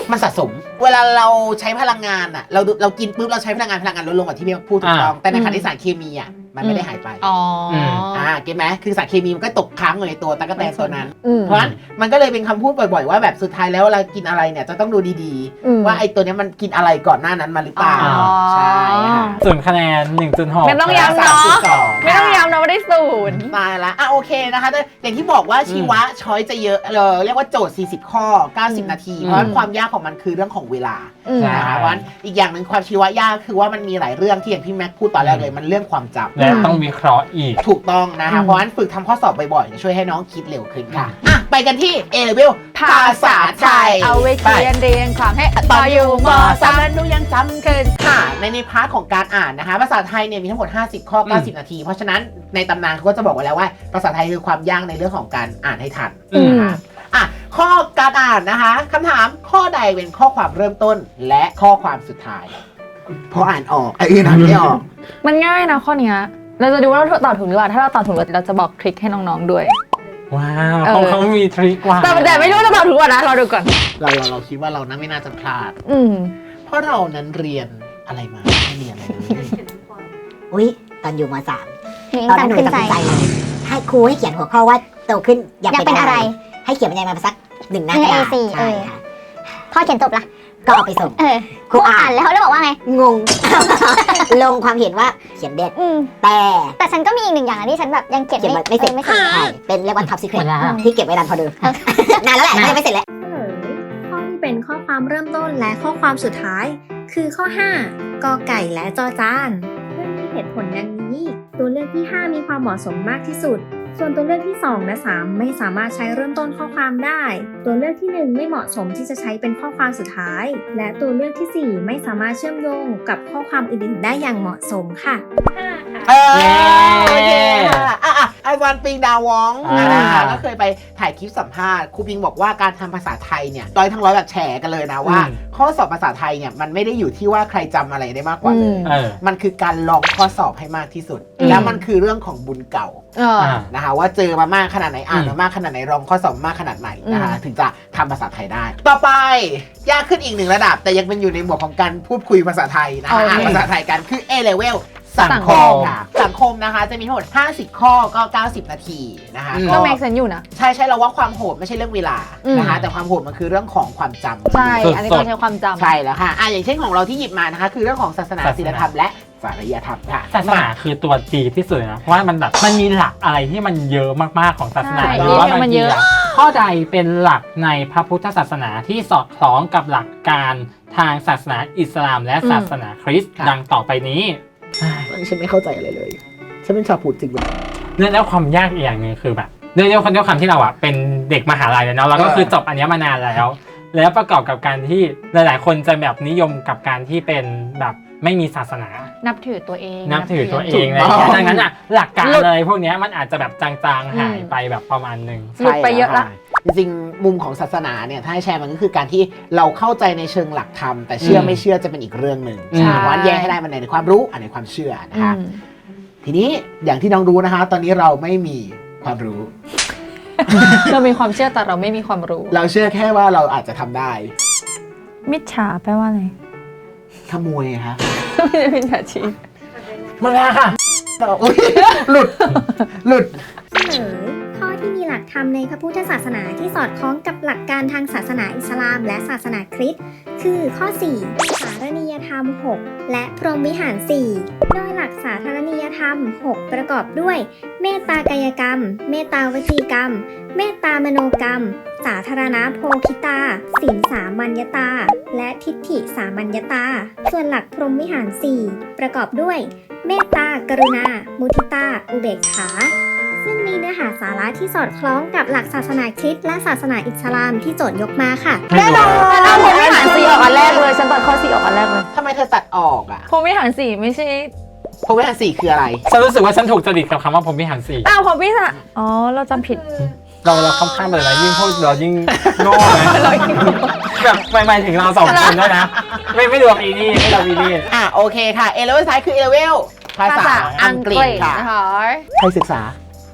[SPEAKER 3] มันสะสม เวลาเราใช้พลังงานอ่ะเรากินปุ๊บเราใช้พลังงานลดลงกว่าที่พี่พูดถูกต้องแต่ในขณะที่สารเคมีอ่ะมันไม่ได้หายไป
[SPEAKER 2] อ๋อ
[SPEAKER 3] เก็ตไหมคือสารเคมีมันก็ตกค้างอยู่ในตัวตั๊กแตนตัวนั้น
[SPEAKER 2] อืม
[SPEAKER 3] เพราะฉะนั้นมันก็เลยเป็นคำพูดบ่อยๆว่าแบบสุดท้ายแล้วเวลากินอะไรเนี่ยจะต้องดูดี
[SPEAKER 2] อืม
[SPEAKER 3] ๆ ว่าไอ้ตัวเนี้ยมันกินอะไรก่อนหน้านั้นมาหรือเปล่า
[SPEAKER 2] อ๋อ
[SPEAKER 3] ใช่ค่ะ
[SPEAKER 1] ส่วนคะแนน 1.6
[SPEAKER 2] ไม่ต้องย้ำเนาะ
[SPEAKER 3] 3.2
[SPEAKER 2] ไม่ต้องย้ำนะว่าได้ศูนย์
[SPEAKER 3] ตายละโอเคนะคะแต่อย่างที่บอกว่าชีวะช้อยจะเยอะเรียกว่าโจทย์40 ข้อ 90 นาที เพราะฉะนั้นความยากของมันคือเรื่องของเวลา
[SPEAKER 2] อืม
[SPEAKER 3] นะคะเพราะฉะนั้นอีกอย่างหนึ่งความชีวะยากคือว่ามันมีหลายเรื่องที่อย่างพี่แม็กพูดตอนแรกเลยมันเรื่องความจำ
[SPEAKER 1] และต้องวิเคราะห์อีก
[SPEAKER 3] ถูกต้องนะคะ เพราะฉะนั้นฝึกทำข้อสอบบ่อยๆจะช่วยให้น้องคิดเร็วขึ้นค่ะไปกันที่ A level ภาษาไทย
[SPEAKER 2] เอาไว้เรียนความให้ต่ออยู่ม
[SPEAKER 3] สาม
[SPEAKER 2] 3
[SPEAKER 3] นั้นดูยังจำขึ้นค่ะในพาร์ทของการอ่านนะคะภาษาไทยเนี่ยมีทั้งหมด50 ข้อ 90 นาที เพราะฉะนั้นในตำนานเขาก็จะบอกไว้แล้วว่าภาษาไทยคือความยากในเรื่องของการอ่านให้ทัน
[SPEAKER 1] อืม
[SPEAKER 3] นะคะข้อการอ่านนะคะคำถามข้อใดเป็นข้อความเริ่มต้นและข้อความสุดท้ายพออ่านออกอื่นอ่านไม่ออก
[SPEAKER 2] มันง่ายนะข้อเนี้ยเราจะดูว่าเราตอบถูกหรือเปล่าถ้าเราตอบถูกเราจะบอกทริคให้น้องๆด้วย
[SPEAKER 1] ว้าวเขามีทริคว่ะ
[SPEAKER 2] แต่ไม่รู้ว่าจะตอบถูกป่ะนะเราดูก่อน
[SPEAKER 3] เราคิดว่าเรานั้นไม่น่าจะพลาด
[SPEAKER 2] อืม
[SPEAKER 3] เพราะเรานั้นเรียนอะไรมาไม่เรียนอะไรเลย
[SPEAKER 5] อุ๊ยตอนอยู่ม
[SPEAKER 6] หนู
[SPEAKER 5] .3
[SPEAKER 6] ยัง
[SPEAKER 5] ตอนนั้นหนู
[SPEAKER 6] จำขึ้น
[SPEAKER 5] ตัด
[SPEAKER 6] ใจ
[SPEAKER 5] สินใจเลยให้ครูให้เขียนหัวข้อว่าโตขึ้นอยาก
[SPEAKER 6] อยากเป็
[SPEAKER 5] เป็น
[SPEAKER 6] น
[SPEAKER 5] อะ
[SPEAKER 6] อะไร ไร
[SPEAKER 5] ให้เขียนบรรยายมาสัก1 หน้ากระดาษ
[SPEAKER 6] A4
[SPEAKER 5] ใช่ค่ะ
[SPEAKER 6] พ่อเขียนจบละ
[SPEAKER 5] ก็เอาไปส่ง
[SPEAKER 6] ครูอ่านแล้วบอกว่าไง
[SPEAKER 5] งง ลงความเห็นว่าเขียนเด็ด
[SPEAKER 6] อืม
[SPEAKER 5] แต่
[SPEAKER 6] แต่ฉันก็มีอีกหนึ่งอย่างนะที่ฉันแบบยังเก็บ
[SPEAKER 5] เขียนไม่เสร็จ
[SPEAKER 6] ไม่เสร็จ
[SPEAKER 5] ใช่เป็นเรียกว่า top secret
[SPEAKER 1] หมดแล้ว
[SPEAKER 5] ที่เก็บไว้นานพอดูนานแล้วแหละยังไม่เสร็จแล้ว
[SPEAKER 4] เฉลยข้อที่เป็นข้อความเริ่มต้นและข้อความสุดท้าย คือข้อ 5 กอไก่และจอจานเพื่อมีเหตุผลดังนี้ ตัวเลือกที่ 5 มีความเหมาะสมมากที่สุด ส่วนตัวเลือกที่ 2 และ 3 ไม่สามารถใช้เริ่มต้นข้อความได้ ตัวเลือกที่ 1 ไม่เหมาะสมที่จะใช้เป็นข้อความสุดท้าย และตัวเลือกที่ 4 ไม่สามารถเชื่อมโยงกับข้อความอื่นๆได้อย่างเหมาะสมค่ะ
[SPEAKER 3] โอเคค่ะอาจารย์ปิงดาวองนะคะก็เคยไปถ่ายคลิปสัมภาษณ์ครูปิงบอกว่าการทำภาษาไทยเนี่ยร้อยทั้งร้อยแบบแฉกันเลยนะว่า ข้อสอบภาษาไทยเนี่ยมันไม่ได้อยู่ที่ว่าใครจำอะไรได้มากกว่าเลย มันคือการลองข้อสอบให้มากที่สุด แล้วมันคือเรื่องของบุญเก่านะคะว่าเจอมามากขนาดไหนอ่านมามากขนาดไหนลองข้อสอบมากขนาดไหนนะคะถึงจะทำภาษาไทยได้ ต่อไปยากขึ้นอีก1 ระดับ แต่ยังเป็นอยู่ในหมวดของการพูดคุยภาษาไทยนะคะอ่านภาษาไทยกันคือ A level สังคมค่ะสังคมนะคะจะมีทั้งหมด50 ข้อก็ 90 นาทีนะคะ
[SPEAKER 2] ก็แม็กเซนอยู่นะ
[SPEAKER 3] ใช่เราว่าความโหดไม่ใช่เรื่องเวลานะคะแต่ความโหดมันคือเรื่องของความจำ
[SPEAKER 2] ใช่ อันนี้ต้องใช้ความจำ
[SPEAKER 3] ใช่แล้วค่ะอย่างเช่นของเราที่หยิบมานะคะคือเรื่องของศาสนาศีลธรรมและจริยธรรมค่ะ
[SPEAKER 1] ศาสนาคือตัวจีที่สุดนะเพราะว่ามันแบบมันมีหลักอะไรที่มันเยอะมากๆของศาสนา
[SPEAKER 2] ใช่
[SPEAKER 1] หรือว่า
[SPEAKER 2] มันเยอะ
[SPEAKER 1] ข้อใดเป็นหลักในพระพุทธศาสนาที่สอดคล้องกับหลักการทางศาสนาอิสลามและศาสนาคริสต์ดังต่อไปนี้
[SPEAKER 3] ฉันไม่เข้าใจอะไรเลยฉันเป็นชาวพุทธจริงไหม
[SPEAKER 1] แล้วความยากอีกอย่างหนึงคือแบบด้วยความที่เราอะเป็นเด็กมหาลัยเลยเนาะเราก็คือจบอันเนี้ยมานานแล้วประกอบกับการที่หลายๆคนจะแบบนิยมกับการที่เป็นแบบไม่มีศาสนา
[SPEAKER 2] นับถือตัวเอง
[SPEAKER 1] นับถือตัวเองอะไรอย่างเงี้ยดังนั้นอะหลักการอะไรพวกเนี้ยมันอาจจะแบบจางๆหายไปแบบประมาณนึง
[SPEAKER 2] หลุดไปเยอะละ
[SPEAKER 3] จริงๆมุมของศาสนาเนี่ยถ้าให้แชร์มันก็คือการที่เราเข้าใจในเชิงหลักธรรมแต่เชื่อไม่เชื่อจะเป็นอีกเรื่องหนึ่ง
[SPEAKER 1] ใช่
[SPEAKER 3] เพราะฉะนั้นแยกให้ได้มันในความรู้อันในความเชื่อนะคะทีนี้อย่างที่น้องรู้นะคะ ตอนนี้เราไม่มีความรู้
[SPEAKER 2] เรามีความเชื่อแต่เราไม่มีความรู้
[SPEAKER 3] เราเชื่อแค่ว่าเราอาจจะทำได้
[SPEAKER 2] มิจฉาแปลว่าอะไร
[SPEAKER 3] ขโมยคะ
[SPEAKER 2] ไม่ได้เป็นอาชีพ
[SPEAKER 3] มาแล้วค่ะอุ๊ยหลุด
[SPEAKER 4] เฉลยข้อที่มีหลักธรรมในพระพุทธศาสนาที่สอดคล้องกับหลักการทางศาสนาอิสลามและศาสนาคริสต์คือข้อ 4 สารณียธรรม 6 และพรหมวิหาร 4 โดยหลักสาธารณียธรรม 6 ประกอบด้วย เมตตากายกรรม เมตตาวจีกรรม เมตตามโนกรรม สาธารณโภคิตาศีลสามัญญตา และทิฏฐิสามัญญตา ส่วนหลักพรหมวิหาร 4 ประกอบด้วย เมตตากรุณา มุทิตา อุเบกขา ซึ่งมีเนื้อหาสาระที่สอดคล้องกับหลักศาสนาคริสต์และศาสนาอิสลามที่โจทย์ยกมาค่ะ
[SPEAKER 2] แน่นอนเอาพรหมวิหาร4ออกอันแรกเลยฉันตัดข้อ4ออกอันแรกเลย
[SPEAKER 3] ทำไมเธอตัดออกอ่ะ
[SPEAKER 2] พรหมวิหาร4ไม่ใช่
[SPEAKER 3] เพราะว่า4คืออะไร
[SPEAKER 1] ฉันรู้สึกว่าฉันถูกจริตกับคำว่าผมพิหารสี่
[SPEAKER 2] อ้าวพรหมวิหารอ๋อเราจำผิด
[SPEAKER 1] เราค่อนข้างเลยนะยิ่งพูดเรายิ่งโง่นะแบบหมายถึงเรา2 คนด้วยนะไม่รวมอีนี่ไม่รวมอีนี่
[SPEAKER 3] โอเคค่ะ A level ท้ายคือ A level ภาษาอังกฤษค่ะ
[SPEAKER 2] นะคะ
[SPEAKER 3] ใครศึกษา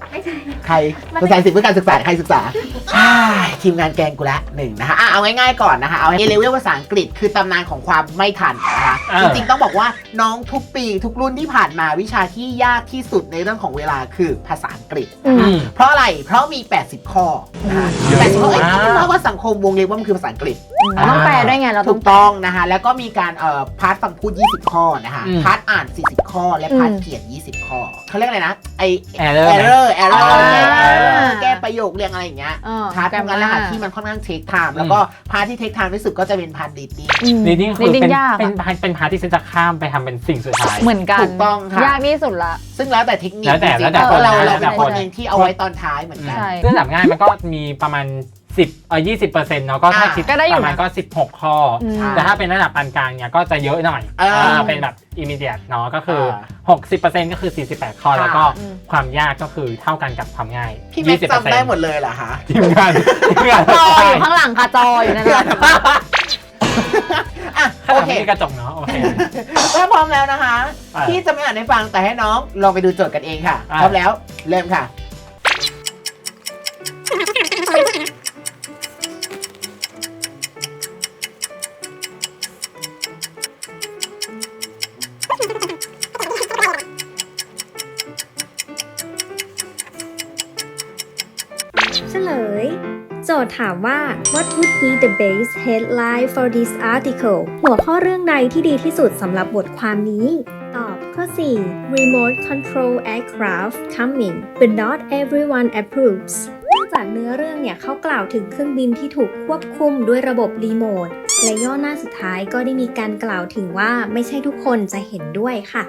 [SPEAKER 3] ใครภาษา10เพื่อการศึกษาใครศึกษาทีมงานแกงกูละหนึ่งนะคะเอาง่ายๆก่อนนะคะเอา A level ภาษาอังกฤษคือตำนานของความไม่ทันนะคะจริงๆต้องบอกว่าน้องทุกปีทุกรุ่นที่ผ่านมาวิชาที่ยากที่สุดในเรื่องของเวลาคือภาษาอังกฤษเพราะอะไรเพราะมี 80 ข้อนะคะ80 ข้อเพราะว่าสังคมวงเล็บว่ามันคือภาษาอังกฤษ
[SPEAKER 2] ต้องแปลด้วยไงเราต้
[SPEAKER 3] ถู
[SPEAKER 2] อง
[SPEAKER 3] กต้องนะคะแล้วก็มีการพาร์ทฟังพูด20 ข้อนะคะพาร์ทอ่าน40 ข้อและพาร์ทเขียน20 ข้อเขาเรียกอะไรนะไอ error แก้ประโยคเรียงอะไรอย่างเงี้ยพาร์ทตรงนั้นแหละค่ะที่มันค่อนข้างเทคไทม์แล้วก็พาร์ทที่เทคไทม์ที่สุดก็จะเป็นพาร์ท reading
[SPEAKER 1] reading คือเป็นพาร์ทที่ฉันจะข้ามไปทำเป็นสิ่งสุดท้าย
[SPEAKER 2] เหมือนกัน
[SPEAKER 3] ถูกต้องค่ะ
[SPEAKER 2] ยากที่สุดละ
[SPEAKER 3] ซึ่งแล้วแต่เทคนิค
[SPEAKER 1] แล้วแต่
[SPEAKER 3] จริงๆ
[SPEAKER 1] คน
[SPEAKER 3] เรา
[SPEAKER 1] แล้วแต่
[SPEAKER 3] เป็น
[SPEAKER 1] ค
[SPEAKER 3] คน นหนึ่งที่เอาไว้ตอนท้ายเหมือนกัน
[SPEAKER 2] ใช่
[SPEAKER 1] เรื่องแบบง่ายมันก็มีประมาณ20% เนาะก็ถ้าคิด
[SPEAKER 2] ก็ได้อยู่
[SPEAKER 1] ประมาณก็16 ข้ออ
[SPEAKER 2] ม
[SPEAKER 1] แต่ถ้าเป็นระดับปานกลางเนี่ยก็จะเยอะหน่อยเป็นแบบ immediate เนาะก็คือ 60% ก็คือ48 ข้อแล้วก็ความยากก็คือเท่ากันกับความง่าย
[SPEAKER 3] พี่แม็กซ์จำได้หมดเลยเหรอคะ
[SPEAKER 1] ทีมงาน
[SPEAKER 2] จออยู่ข้างหลังค่ะจออยู่นั่นแหละ
[SPEAKER 1] ข้างห
[SPEAKER 3] โอ
[SPEAKER 1] ลัง
[SPEAKER 3] เค
[SPEAKER 1] ไม่มีกระจกเนาะโอเค
[SPEAKER 3] ถ้าพร้อมแล้วนะคะ
[SPEAKER 1] อ่ะ
[SPEAKER 3] พี่จะไม่อ่านให้ฟังแต่ให้น้องลองไปดูโจทย์กันเองค่ะ
[SPEAKER 1] อ่ะ
[SPEAKER 3] พร้อมแล้วเริ่มค่ะ
[SPEAKER 4] เฉลย โจทย์ถามว่า What would be the best headline for this article หัวข้อเรื่องใดที่ดีที่สุดสำหรับบทความนี้ ตอบข้อ 4 Remote Control Aircraft coming but not everyone approves เนื่องจากเนื้อเรื่องเนี่ยเขากล่าวถึงเครื่องบินที่ถูกควบคุมด้วยระบบรีโมท และย่อหน้าสุดท้ายก็ได้มีการกล่าวถึงว่าไม่ใช่ทุกคนจะเห็นด้วยค่ะ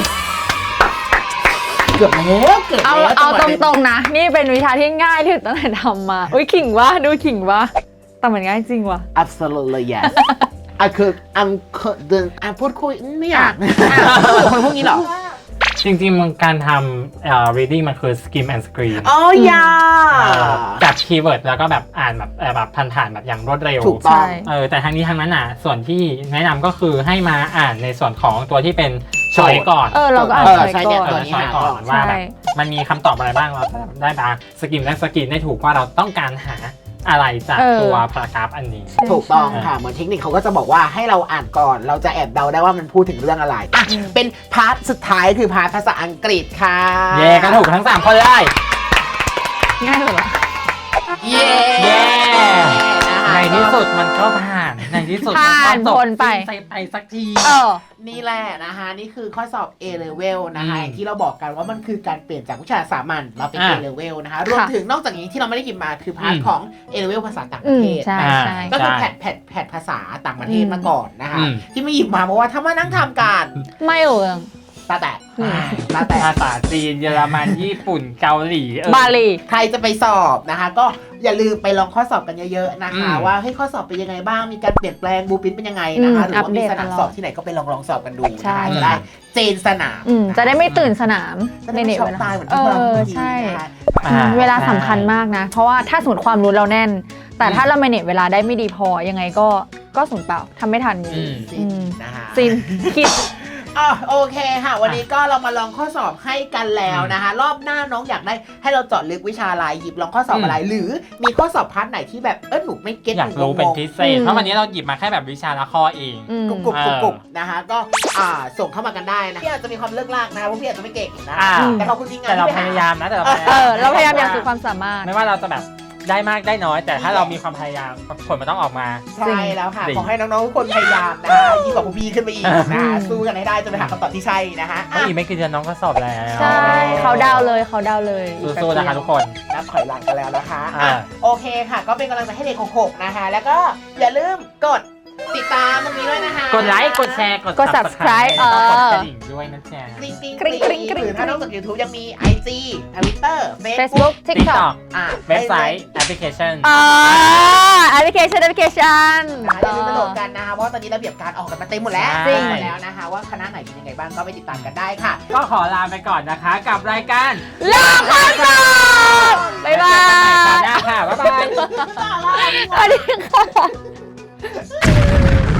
[SPEAKER 3] เกือบแล้วเกือบ
[SPEAKER 2] เอา
[SPEAKER 3] แล้ว
[SPEAKER 2] เอาตรงๆนะ นี่เป็นวิชาที่ง่ายที่สุดตั้งแต่ทำมาอุ้ยขิงวะดูขิงวะแต่มันง่ายจริงวะ
[SPEAKER 3] absolutely yes คือพูดคุยไม่อยากคนพวกนี้หรอ
[SPEAKER 1] จริงๆมันการทำreading มันคือ skim and screen
[SPEAKER 3] อ๋อ
[SPEAKER 1] จับคีย์เวิร์ดแล้วก็แบบอ่านแบบผ่านๆแบบอย่างรวดเร็ว
[SPEAKER 3] ถูกต้อง
[SPEAKER 1] แต่ทางนี้ทางนั้นส่วนที่แนะนำก็คือให้มาอ่านในส่วนของตัวที่เป็นช้อยก่อน
[SPEAKER 2] เราก็อ่าน
[SPEAKER 3] ใช่
[SPEAKER 2] ไป
[SPEAKER 3] เนี่ย
[SPEAKER 2] ก่
[SPEAKER 3] ตั
[SPEAKER 2] อ
[SPEAKER 3] วน นี้
[SPEAKER 1] ช้อย
[SPEAKER 3] หา
[SPEAKER 1] ก่
[SPEAKER 3] ก่
[SPEAKER 1] อ
[SPEAKER 3] อน น
[SPEAKER 1] ว่าแบบมันมีคำตอบอะไรบ้างเราได้มาสกิมและสกรีนได้ถูกว่าเราต้องการหาอะไรจากตัวพารากราฟอันนี้
[SPEAKER 3] ถูกต้องค่ะเหมือนเทคนิคเขาก็จะบอกว่าให้เราอ่านก่อนเราจะแอบเดาได้ว่ามันพูดถึงเรื่องอะไรเป็นพาร์ทสุดท้ายคือพาร์ทภาษาอังกฤษค่ะ
[SPEAKER 1] เย่ก็ถูกทั้ง3คนเลย
[SPEAKER 2] ง่ายสุดละ
[SPEAKER 3] เย่
[SPEAKER 1] ในที่สุดมันก็ผ่านในที่สุด
[SPEAKER 2] ผ่านพ้นไป
[SPEAKER 1] ไปสักที
[SPEAKER 3] นี่แหละนะคะนี่คือข้อสอบ A level นะคะอย่างที่เราบอกกันว่ามันคือการเปลี่ยนจากวิชาสามัญมาเป็น A level นะคะรวมถึงนอกจากนี้ที่เราไม่ได้กินมาคือพาร์ทของ A level ภาษาต่างประเทศ
[SPEAKER 2] ใช่ใช่
[SPEAKER 3] ก็คือแพทภาษาต่างประเทศมาก่อนนะคะที่ไม่หยิบมาเพราะว่าถ้ามานั่งทำการ
[SPEAKER 2] ไม่เอ่ง
[SPEAKER 3] ตาแตกตาแตก
[SPEAKER 1] ภาษาจีนเยอรมันญี่ปุ่นเกาหลี
[SPEAKER 2] บาลี
[SPEAKER 3] ใครจะไปสอบนะคะ ก็อย่าลืมไปลองข้อสอบกันเยอะๆนะคะว่าให้ข้อสอบเป็นยังไงบ้างมีการเปลี่ยนแปลงบูปินเป็นยังไงนะคะหรือว่ามีสนามสอบที่ไหไหนก็ไปลองสอบกันดูนะคะจะได้เจนสนาม
[SPEAKER 2] จะได้ไม่ตื่นสนาม
[SPEAKER 3] จะได้ไม่ช็อกตายเหมือนที่เรา
[SPEAKER 2] ใช่
[SPEAKER 3] นะคะ
[SPEAKER 2] เวลาสำคัญมากนะ เพราะว่าถ้าสมมติความรู้เราแน่น แต่ถ้าเราเมเนจเวลาได้ไม่ดีพอยังไงก็สูญเปล่าทำไม่ทันอยู่
[SPEAKER 3] นะคะ
[SPEAKER 2] ซินคิด
[SPEAKER 3] โอเคค่ะ วันนี้ก็เรามาลองข้อสอบให้กันแล้วนะคะ รอบหน้าน้องอยากได้ให้เราเจาะลึกวิชาอะไรหยิบลองข้อสอบอะไร หรือมีข้อสอบพาร์ทไหนที่แบบหนูไม่เก็ต
[SPEAKER 1] อยากรู้เป็นพิเศษเพราะวันนี้เราหยิบมาแค่แบบวิชาละข้อเอง
[SPEAKER 3] กรุบนะคะก็ส่งเข้ามากันได้นะพี่อาจจะมีความเลิกลากนะเพราะพี่อาจจะไม่เก่งนะแต่ขอบคุณทีมงาน
[SPEAKER 1] แต่เราพยายามนะแต่
[SPEAKER 2] เราพยายามอย่างสุดความสามารถ
[SPEAKER 1] ไม่ว่าเราจะแบบได้มากได้น้อย แต่ถ้าเรามีความพยายามผลมันต้องออกมา
[SPEAKER 3] ใช่แล้วค่ะขอให้น้องๆทุกคนพยายามนะคะยิ่งกว่าพวกพี่ขึ้นไปอีกนะคะสู้กันให้ได้จนไปหาคำตอบที่ใช่นะคะ
[SPEAKER 1] อีกไม่กี่เดือนน้องก็สอบแล้ว
[SPEAKER 2] ใช่เขาดาวเลย
[SPEAKER 1] สู้ๆนะคะทุกคน
[SPEAKER 3] นับถอยหลังกันแล้วนะคะโอเคค่ะก็เป็นกำลังใจให้เด็ก66นะคะแล้วก็อย่าลืมกดติดตามตรงนี้ด้วยนะคะ
[SPEAKER 1] กดไลค์กดแชร์กด
[SPEAKER 2] subscribe
[SPEAKER 1] แล้วก็กดกระดิ่งด้วยนะจ๊ะ
[SPEAKER 3] กริ๊งหรือถ้านอกจาก YouTube ยังมี IG Twitter
[SPEAKER 2] Facebook TikTok
[SPEAKER 1] เว็บไซต์แอปพลิเคชัน
[SPEAKER 2] แอปพลิเคชัน
[SPEAKER 3] อย่าลืมไปโหลดกันนะคะเพราะตอนนี้ระเบียบการออกกันมาเต็มหมดแล้วหมดแล้วนะคะว่าคณะไหนเป็นยังไงบ้างก็ไปติดตามกันได้ค่ะ
[SPEAKER 1] ก็ขอลาไปก่อนนะคะกับรายการ
[SPEAKER 2] ลองข้อสอบบ๊ายบาย
[SPEAKER 1] ค่ะบ๊ายบาย
[SPEAKER 2] สวัสดีค่ะ